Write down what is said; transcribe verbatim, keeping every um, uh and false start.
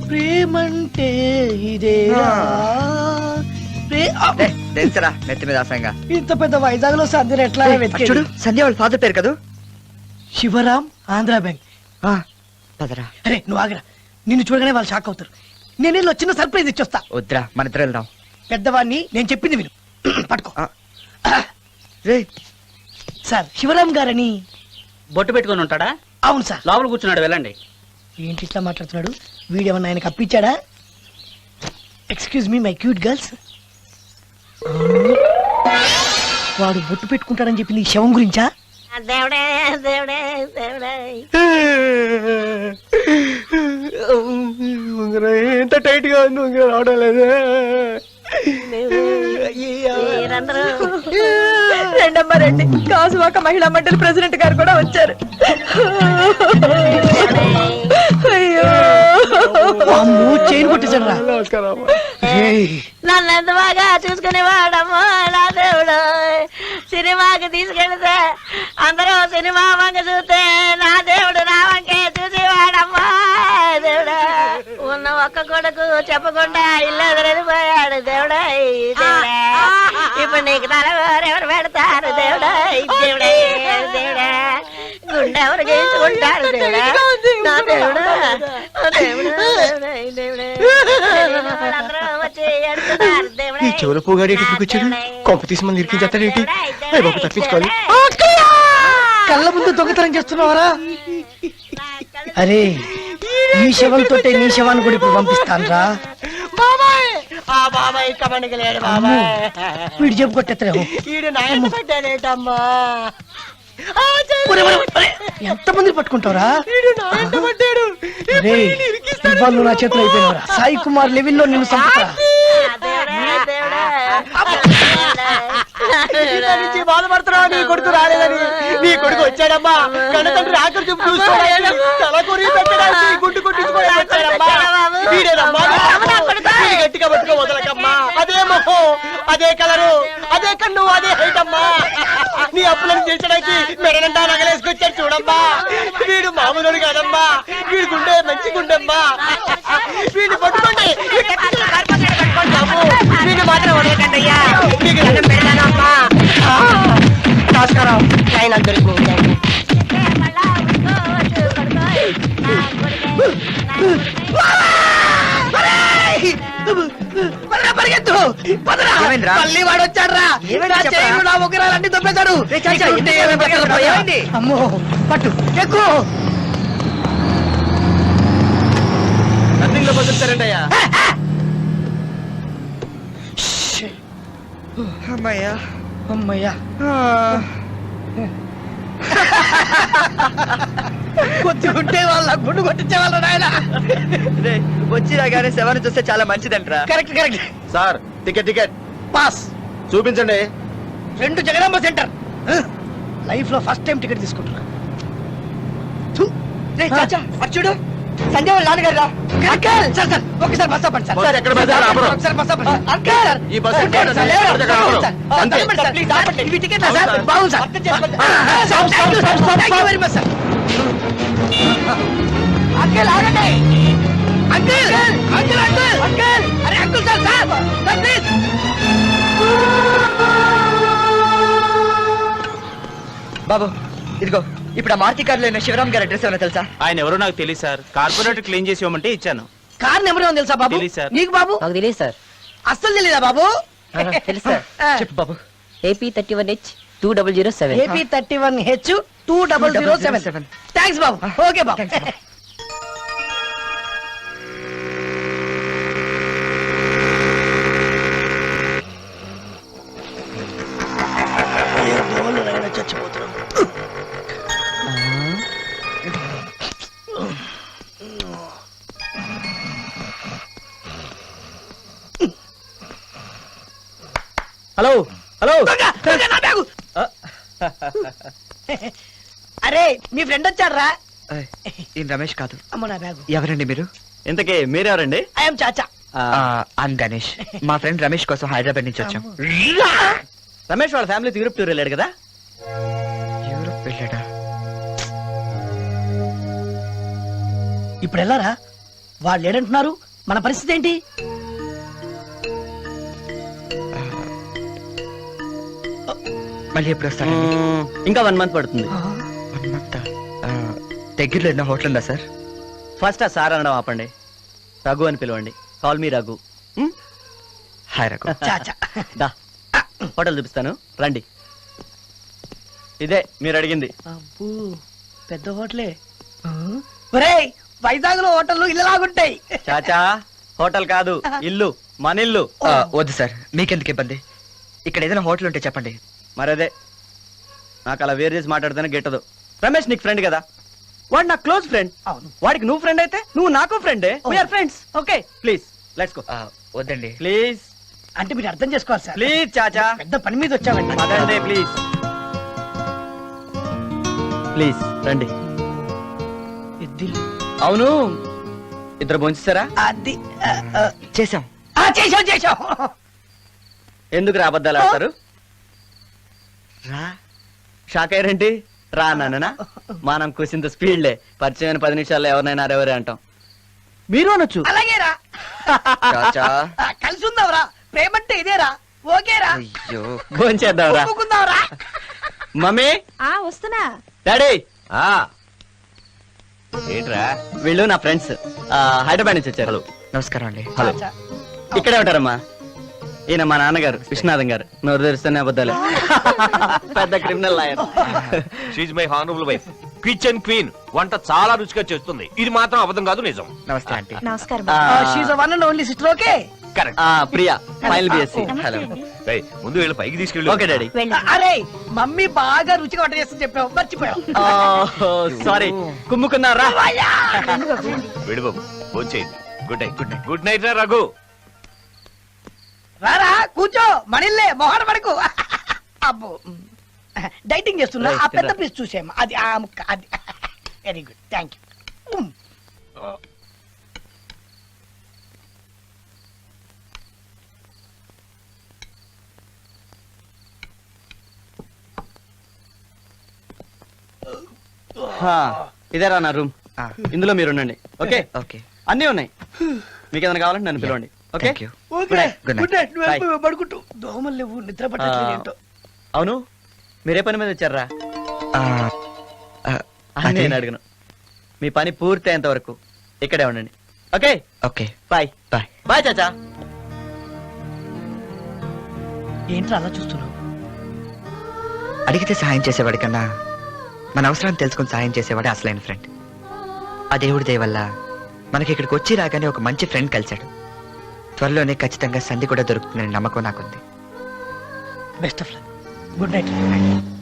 ప్రేమంటే ఇదేరా తెలుసరా నెత్తి మీద ఆశంగా. ఇంత పెద్ద వైజాగ్ లో సంధ్యను ఎట్లా చూడు, సంధ్య వాళ్ళ ఫాదర్ పేరు కదా, శివరాం, ఆంధ్ర బ్యాంక్. పదరా. అరే నువ్వు ఆగరా, నిన్ను చూడగానే వాళ్ళు షాక్ అవుతారు. నేను వీళ్ళు చిన్న సర్ప్రైజ్ ఇచ్చొస్తా. వద్దురా, మన ఇద్దరు వెళ్దాం. పెద్దవాడిని నేను చెప్పింది విను. పట్టుకో. రే సార్, శివరాం గారని బొట్టు పెట్టుకొని ఉంటాడా? అవును సార్. లోపల కూర్చున్నాడు, వెళ్ళండి. ఏంటి ఇట్లా మాట్లాడుతున్నాడు? వీడేమన్నా ఆయనకు అప్పించాడా? Excuse me my cute girls. వాడు బొట్టు పెట్టుకుంటాడని చెప్పి నీ శవం గురించా? దేవుడే దేవుడే దేవుడే ఎంత టైట్ గా ఉంది, రావడం లేదు. రెండమ్మ రండి, కాసువాక మహిళా మండలి ప్రెసిడెంట్ గారు కూడా వచ్చారు. అయ్యో చైన్ కొట్టేశాడు రా. నన్ను ఎంత బాగా చూసుకునేవాడమ్మా నా దేవుడు. సినిమాకి తీసుకెళ్తే అందరూ సినిమా వంక చూస్తే నా దేవుడు నా వంకే చూసేవాడమ్మా దేవుడా. ఉన్న ఒక్క కొడుకు చెప్పకుండా ఇల్లు ఎదురెళ్ళిపోయాడు దేవుడా. దేవుడా ఇప్పుడు నీకు తలవారు పెడతారు దేవుడా. దేవుడే దేవుడా, గుండె ఎవరు గీసుకుంటారు దేవుడా. నా దేవుడా దేవుడా దేవుడా. ఈ చెవుల పోగాడు వచ్చాడు, కొంప తీసి మనం ఇరికించేస్తాడేంటి? బాబు తప్పించుకోవాలి. కళ్ళ ముందు దొంగతనం చేస్తున్నావరా? అరే ఈ శవంతో నీ శవాన్ని కూడా ఇప్పుడు పంపిస్తాను రా. వీడు చెప్పు కొట్టేస్తారేమో. ఎంత మంది పట్టుకుంటావురా? నువ్వు నా చేతులు అయిపోయినవరా. సాయి కుమార్ లెవెల్లో నిన్ను చంపుతా. బాధపడుతున్నావు, నీ కొడుకు రాలేదని. నీ కొడుకు వచ్చాడమ్మా, కన్నతండ్రి ఆకలి చూపు చూసుకోవడానికి, తల కొరి పెట్టడానికి, గుడ్డు కొట్టించుకోవడం వచ్చాడమ్మా. గట్టిగా పట్టుకో వదలకమ్మా. అదే మొహం, అదే కలరు, అదే కన్ను, అదే హైట్ అమ్మా. నీ అప్పులను తీర్చడానికి మెడనంటా నగలేసుకొచ్చాడు చూడమ్మా. వీడు మామూలు కాదమ్మా, వీడి గుండె మంచి గుండెమ్మా. వీడిని పట్టుకోండి, వీడిని మాత్రం వదలకండి అయ్యా. మీకు దండం పెడతానమ్మా. నమస్కారం. ఆయన దొరికింది. మళ్ళీ వాడు వచ్చాడ్రా. ఉగ్రాలన్నీ దొబ్బేశాడు. అమ్మో పట్టు ఎక్కువ రన్నింగ్ లో బతుకుతారండి అయ్యా. అమ్మయ్యా అమ్మయ్యా. కొద్దిగుంటే వాళ్ళ గుండు కొట్టించే వాళ్ళ నాయన. వచ్చి రాగానే శవాన్ని చూస్తే చాలా మంచిదంటరా. Correct correct. Sir ticket ticket pass చూపించండి. రెండు జగదాంబ సెంటర్. లైఫ్ లో ఫస్ట్ టైం టికెట్ తీసుకుంటున్నా. చూడు, సంజయ్ వాళ్ళ నాన్నగారు రా. అంకల్ సార్ సార్ ఒకసారి బస్ ఆపండి సార్. ఎక్కడ బస్ ఆపరు? ఒకసారి బస్ ఆపండి. అంకల్ ఈ బస్ అంతే. ఇవి టికెట్ సార్. బాగుంది sir. Thank you very much sir. Uncle ఆగండి. అంకల్ అంకల్ అంకల్ అంకల్ అరే uncle sir sir sir please. బాబు ఇదిగో, ఇప్పుడు ఆ మారుతి కార్లో ఉన్న శివరాం గారి అడ్రస్ ఏమైనా తెలుసా? ఆయన ఎవరో నాకు తెలియదు సార్. కార్పొరేటర్ క్లీన్ చేసి ఇవ్వమంటే ఇచ్చాను. కార్ నెంబర్ ఏమో తెలుసా బాబు? తెలీదు సార్. నీకు బాబు? నాకు తెలియదు సార్. అస్సలు తెలీదా బాబు? తెలుసు సార్. చెప్పు బాబు. AP thirty one H two double zero seven. AP thirty one H two double zero seven. Thanks బాబు. ఓకే బాబు. చచ్చిపోతున్నాను. Hello hello. అరే మీ ఫ్రెండ్ వచ్చారా? ఈయన రమేష్ కాదు. అమ్మ నా బ్యాగు. ఎవరండి మీరు? ఇంతకీ మీరెవరండి? ఐఎమ్ చాచా. ఐఎమ్ గణేష్. మా ఫ్రెండ్ రమేష్ కోసం హైదరాబాద్ నుంచి వచ్చాం. రమేష్ వాళ్ళ ఫ్యామిలీ యూరోప్ టూర్ వెళ్ళాడు కదా? యూరోప్ వెళ్ళాడా? ఇప్పుడు వెళ్ళారా? వాళ్ళు ఏడంటున్నారు, మన పరిస్థితి ఏంటి? మళ్ళీ ఎప్పుడు వస్తారండి? మ్మ్, ఇంకా వన్ మంత్ పడుతుంది. One month. దగ్గరలో ఏదైనా హోటల్ ఉందా సార్? ఫస్ట్ ఆ సార్ అనడం ఆపండి, రఘు అని పిలవండి. Call me Raghu. మ్మ్? హాయ్ రఘు. చాచా. దా హోటల్ చూపిస్తాను, రండి. ఇదే మీరు అడిగింది. అబ్బో పెద్ద హోటలే. ఒరేయ్ వైజాగ్ లో హోటల్ ఇల్లు లాగుంటాయి. చాచా హోటల్ కాదు, ఇల్లు, మన ఇల్లు. ఆ, వద్దు సార్, మీకెందుకు ఇబ్బంది? ఇక్కడ ఏదైనా హోటల్ ఉంటే చెప్పండి. మరదే నాకు అలా వేరు చేసి మాట్లాడితేనే గిట్టదు. రమేష్ నీకు ఫ్రెండ్ కదా, వాడు నా క్లోజ్ ఫ్రెండ్. అవును. వాడికి నువ్వు ఫ్రెండ్ అయితే నువ్వు నాకు ఫ్రెండే. We're friends. Okay please let's go. ఆ, వద్దండి. ప్లీజ్ అంటే మీరు అర్థం చేసుకోవాలి సార్. ప్లీజ్ చాచా, పెద్ద పని మీద వచ్చామండి. అదండి ప్లీజ్ ప్లీజ్ రండి. ఇద్దిల్లు. అవును ఇద్దరు భోంచేశారా? అది ఆ, ఆ, చేసాం. ఆ, చేశాం చేశాం. ఎందుకు రా అబద్ధాలు ఆడతారు? రా. షాక్ అయ్యారేంటి? రా నాన్న, మనం కూసింత స్పీడ్లే. పరిచయమైన పది నిమిషాల్లో ఎవరినైనా అరెవరే అంటాం. మీరు అనొచ్చు. అలాగేరా. చాచా. ఆ, కలిసి ఉందాంరా. ప్రేమంటే ఇదేరా. ఓకేరా. అయ్యో. భోంచేద్దాంరా. ఒప్పుకుందాంరా. మమ్మీ, ఆ వస్తున్నా. డాడీ, ఏంట్రా? వీళ్ళు నా ఫ్రెండ్స్, హైదరాబాద్ నుంచి వచ్చారు. నమస్కారం అండి. హలో. చాచా. ఇక్కడే ఉంటారమ్మా. ఈయన మా నాన్నగారు విశ్వనాథం గారు. నోరు తెరిస్తేనే అబద్ధాలే. పెద్ద criminal lawyer. She's my honourable wife, kitchen queen. వంట చాలా రుచిగా చేస్తుంది. ఇది మాత్రం అబద్ధం కాదు, నిజం. నమస్తే ఆంటీ. నమస్కారం. She's one and only sister. Okay. Correct. Priya, final BSc. Hello. రేయ్, ముందు వీళ్ళు పైకి తీసుకెళ్ళి. Okay daddy. అరే మమ్మీ బాగా రుచిగా వంట చేస్తుంది చెప్పావు, మర్చిపోయావు. సారీ, కుమ్ముకున్నారా? విడు బాబు, వచ్చేయండి. Good night. Good night. Good night రా రఘు. రారా కూర్చో, మనిల్లే మొహన పడకు. అబ్బో డైటింగ్ చేస్తున్నా. ఆ పెద్ద పీస్ చూసేమ్మా, అది ఆ ముక్క. అది వెరీ గుడ్, థ్యాంక్ యూ. ఇదేరా నా రూమ్. ఆ, ఇందులో మీరు ఉండండి. Okay, okay. అన్నీ ఉన్నాయి. మీకు ఏదైనా కావాలంటే నన్ను పిలవండి. Okay. Thank you. Okay Good night. Good night. నువ్వు Bye. వెళ్ళిపో, పడుకుంటూ. దోమలు లేవు, నిద్ర పట్టట్లేదు ఏంటో. అవును, మీరే పని మీద వచ్చారా? ఆ, ఆ, అని అదే. నేను అడగను. మీ పని పూర్తి అయ్యేంత వరకు ఇక్కడే ఉండండి. Okay, okay. Bye. Bye. Bye Chacha. ఏంట్రా అలా చూస్తున్నావు? అడిగితే సహాయం చేసేవాడి కన్నా మన అవసరాన్ని తెలుసుకుని సహాయం చేసేవాడే అసలైన ఫ్రెండ్. ఆ దేవుడి దయ వల్ల మనకి ఇక్కడికి వచ్చి రాగానే ఒక మంచి ఫ్రెండ్ కలిశాడు. త్వరలోనే ఖచ్చితంగా సంధి కూడా దొరుకుతుందనే నమ్మకం నాకుంది. Best of luck. Good night.